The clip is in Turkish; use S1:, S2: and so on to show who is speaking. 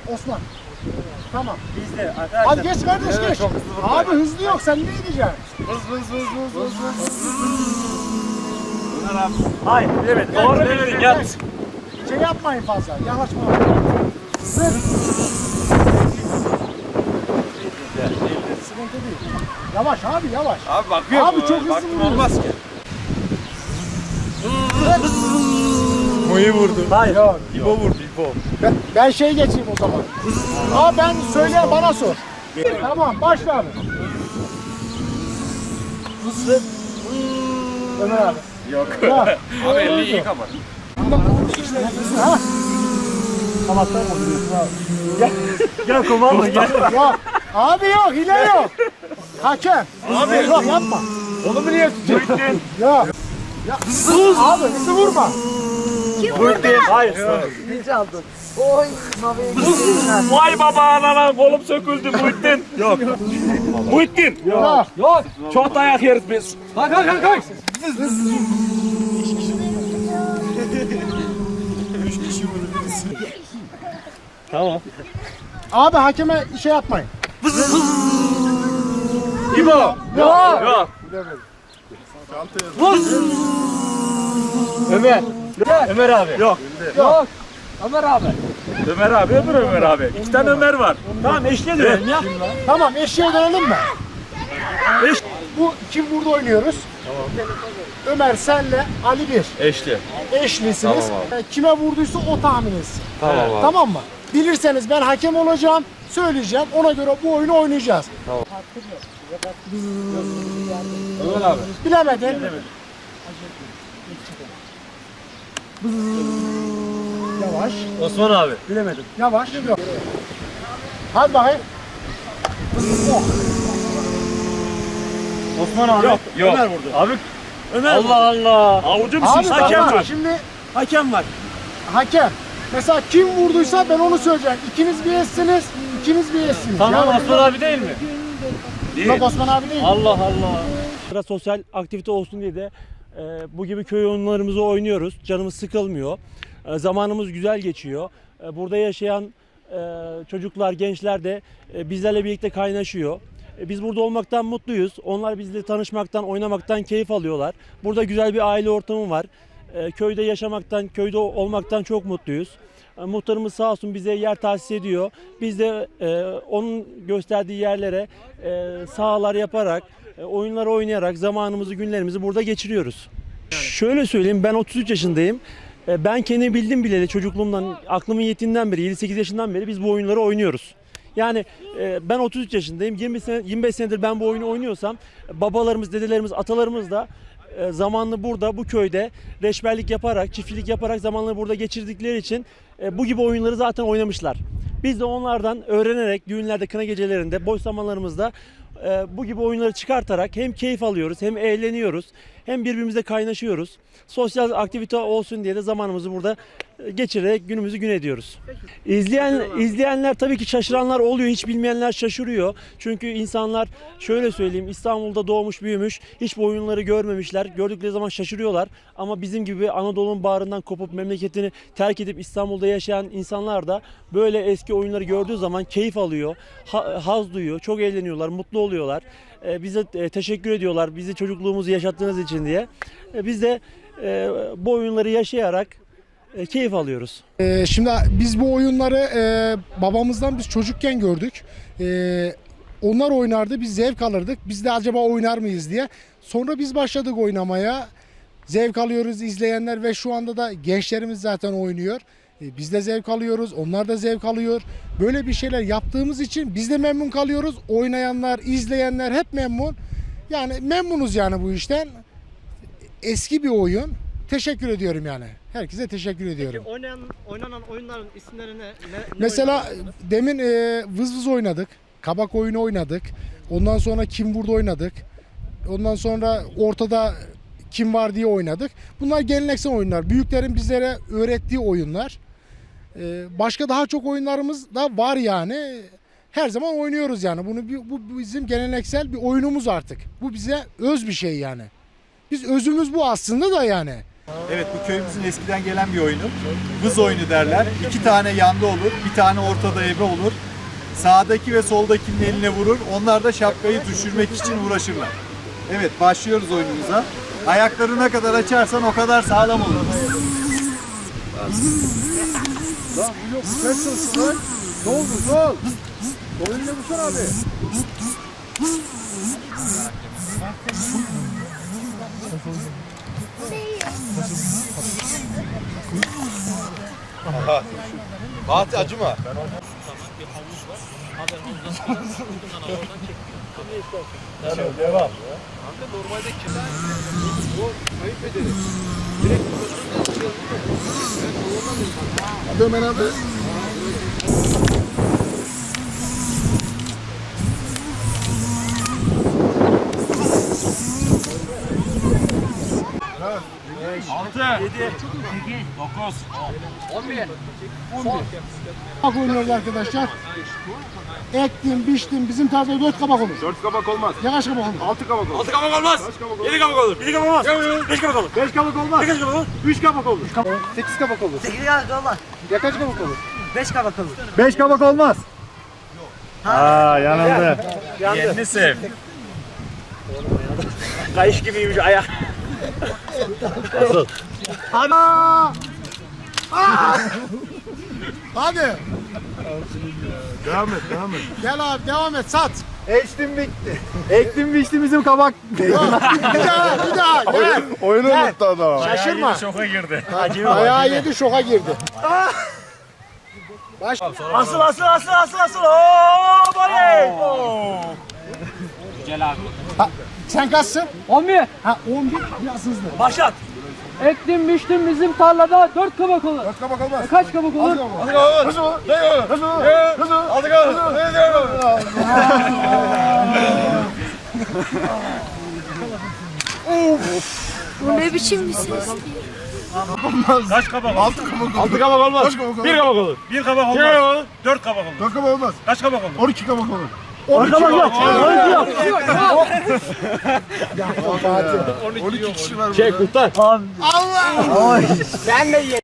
S1: Osman. Tamam.
S2: Bizde arkadaşlar.
S1: Hadi geç kardeş
S2: Evet,
S1: geç.
S2: çok hızlı vurdu.
S1: Abi hızlı yok, sen ne gideceksin?
S2: Hız. Ömer abi. Hayır bilemedim. Doğru bildin ya.
S1: Şey yapmayın fazla, yanaşma. Zırt. Sıkıntı değil. Yavaş abi, yavaş.
S2: Abi bakıyor.
S1: Abi çok hızlı
S2: Baktım
S1: vuruyorsun.
S2: olmaz ki. Moyu vurdu.
S1: Hayır. Yok.
S2: İbo vurdu İbo.
S1: Ben şey geçeyim o zaman. Aa ben söyleyen bana sor. Tamam başla abi. Zırt. Ömer abi.
S2: Yok.
S1: Ya,
S2: Abi elini iyi kapat.
S1: Ha?
S2: Kamattan mı vuruyorsun abi? Gel komando gel.
S1: Yok. Abi yok, hile yok. Hakem. Abi yok yapma.
S2: Oğlumu niye tutuyorsun?
S1: Yok. Ya, abi hızlı vurma.
S2: Hayır.
S3: Birinci aldın. Oy, Mavi'ye gidiyorlar.
S2: Vay baba anana kolum söküldü Muhittin. Yok. Muhittin.
S1: Yok.
S2: Yok. Çok dayak yeriz biz. Kalk. Tamam.
S1: Abi hakeme şey yapmayın.
S2: İbo.
S1: Yok.
S2: Yok. Vur. Ömer. Ömer abi. Yok.
S1: Yok.
S3: Ömer abi.
S2: Ömer abi, Ömer abi. İki tane Ömer var. Tamam eşliğe dönelim ya.
S1: Tamam eşeğe dönelim mi?
S2: Eş.
S1: Bu kim burada oynuyoruz? Tamam. Ömer senle Ali bir.
S2: Eşli.
S1: Eşlisiniz.
S2: Tamam
S1: Kime vurduysa o tahmin etsin.
S2: Tamam abi.
S1: Tamam mı? Bilirseniz ben hakem olacağım. Söyleyeceğim. Ona göre bu oyunu oynayacağız.
S2: Ömer abi.
S1: Bilemedin. Yavaş.
S2: Osman abi. Bilemedim.
S1: Yavaş. Yok. Hadi bakayım. Oh.
S2: Osman abi. Yok. Ömer vurdu. Abi. Ömer. Allah Allah. Avucu musun?
S1: Abi
S2: Hakem
S1: bak,
S2: var.
S1: şimdi
S2: Hakem var.
S1: hakem. Mesela kim vurduysa ben onu söyleyeceğim. İkiniz bir eşsiniz, ikiniz bir eşsiniz.
S2: Tamam
S1: Yani-
S2: Osman abi değil mi?
S1: Yok Osman abi değil.
S2: Allah Allah.
S4: Biraz sosyal aktivite olsun diye de bu gibi köy oyunlarımızı oynuyoruz. Canımız sıkılmıyor. Zamanımız güzel geçiyor. Burada yaşayan çocuklar, gençler de bizlerle birlikte kaynaşıyor. Biz burada olmaktan mutluyuz. Onlar bizle tanışmaktan, oynamaktan keyif alıyorlar. Burada güzel bir aile ortamı var. Köyde yaşamaktan, köyde olmaktan çok mutluyuz. Muhtarımız sağ olsun bize yer tahsis ediyor. Biz de onun gösterdiği yerlere sahalar yaparak, oyunlar oynayarak zamanımızı, günlerimizi burada geçiriyoruz. Şöyle söyleyeyim, ben 33 yaşındayım. Ben kendimi bildim bileli çocukluğumdan, aklımın yettiğinden beri, 7-8 yaşından beri biz bu oyunları oynuyoruz. Yani ben 33 yaşındayım, 25 senedir ben bu oyunu oynuyorsam babalarımız, dedelerimiz, atalarımız da zamanını burada, bu köyde reçberlik yaparak, çiftçilik yaparak zamanları burada geçirdikleri için bu gibi oyunları zaten oynamışlar. Biz de onlardan öğrenerek düğünlerde, kına gecelerinde, boş zamanlarımızda bu gibi oyunları çıkartarak hem keyif alıyoruz, hem eğleniyoruz, hem birbirimizle kaynaşıyoruz. Sosyal aktivite olsun diye de zamanımızı burada geçirerek günümüzü gün ediyoruz. İzleyenler tabii ki şaşıranlar oluyor, hiç bilmeyenler şaşırıyor. Çünkü insanlar şöyle söyleyeyim, İstanbul'da doğmuş büyümüş, hiç bu oyunları görmemişler. Gördükleri zaman şaşırıyorlar. Ama bizim gibi Anadolu'nun bağrından kopup memleketini terk edip İstanbul'da yaşayan insanlar da böyle eski oyunları gördüğü zaman keyif alıyor, haz duyuyor, çok eğleniyorlar, mutlu oluyorlar. Bize teşekkür ediyorlar, bizi çocukluğumuzu yaşattığınız için diye. Biz de bu oyunları yaşayarak keyif alıyoruz.
S1: Şimdi biz bu oyunları babamızdan biz çocukken gördük. Onlar oynardı, biz zevk alırdık. Biz de acaba oynar mıyız diye. Sonra biz başladık oynamaya. Zevk alıyoruz izleyenler ve şu anda da gençlerimiz zaten oynuyor. Biz de zevk alıyoruz, onlar da zevk alıyor. Böyle bir şeyler yaptığımız için biz de memnun kalıyoruz. Oynayanlar, izleyenler hep memnun. Yani memnunuz yani bu işten. Eski bir oyun. Teşekkür ediyorum yani. Herkese teşekkür ediyorum.
S5: Peki oynanan oyunların isimleri ne?
S1: Mesela
S5: oynadınız?
S1: demin vız vız oynadık. Kabak oyunu oynadık. Ondan sonra kim vurdu oynadık. Ondan sonra ortada kim var diye oynadık. Bunlar geleneksel oyunlar. Büyüklerin bizlere öğrettiği oyunlar. Başka daha çok oyunlarımız da var yani. Her zaman oynuyoruz yani. Bu bizim geleneksel bir oyunumuz artık. Bu bize öz bir şey yani. Biz özümüz bu aslında da yani.
S6: Evet, bu köyümüzün eskiden gelen bir oyunu. Vız oyunu derler. 2 tane yanda olur, bir tane ortada ebe olur. Sağdaki ve soldakinin eline vurur. Onlar da şapkayı düşürmek için uğraşırlar. Evet, başlıyoruz oyunumuza. Ayakları ne kadar açarsan o kadar sağlam olur.
S7: Fatih acıma.
S1: Kabak oynuyoruz arkadaşlar. Ektim, biçtim. Bizim tarzda 4 kabak olur.
S7: 4 kabak olmaz.
S1: Ne kaç kabak olur?
S7: 6 kabak olur.
S2: 6 kabak olmaz. 7 kabak olur. 7 kabak olmaz. 5 kabak olur.
S7: 5 kabak olmaz.
S2: 8 kabak olur.
S7: 3 kabak olur.
S6: 8 kabak olur.
S3: 8 kabak olmaz.
S6: Ya kaç kabak olur?
S3: 5 kabak olur.
S6: 5 kabak olmaz.
S2: Aa yanıldı.
S7: Yerini sev.
S2: Kayış gibiymiş ayak.
S1: Hadi.
S7: Devam et, devam et.
S1: Gel abi devam et sat.
S6: Ektim bitti. Ektim biçti bizim kabak.
S1: Bir daha gel.
S7: Oyunu unuttu adam.
S1: Şaşırma.
S2: Şoka girdi.
S1: Ayağı yedi şoka girdi. Baş.
S2: Asıl. Oo voley.
S1: Sen kaçsın?
S8: 11.
S1: Ha 11 biraz hızlı.
S2: Başlat.
S8: Ektim biçtim bizim tarlada 4 kabak olur.
S7: 4 kabak olmaz.
S8: Kaç kabak olur?
S7: 6 kabak olur. 6 kabak olur.
S9: Bu ne biçim bir ses?
S2: Kaç kabak olur?
S7: 6 kabak olur.
S2: 6 kabak olmaz.
S7: Kaç kabak olur?
S2: 1 kabak olur. 1 kabak olmaz. 4 kabak olur.
S7: 4 kabak olmaz.
S2: Kaç kabak olur?
S7: 12 kabak olur.
S2: 12 kabak yok.
S7: 12 kişi var burada.
S2: Çek kurtar.
S1: Allah! Ben de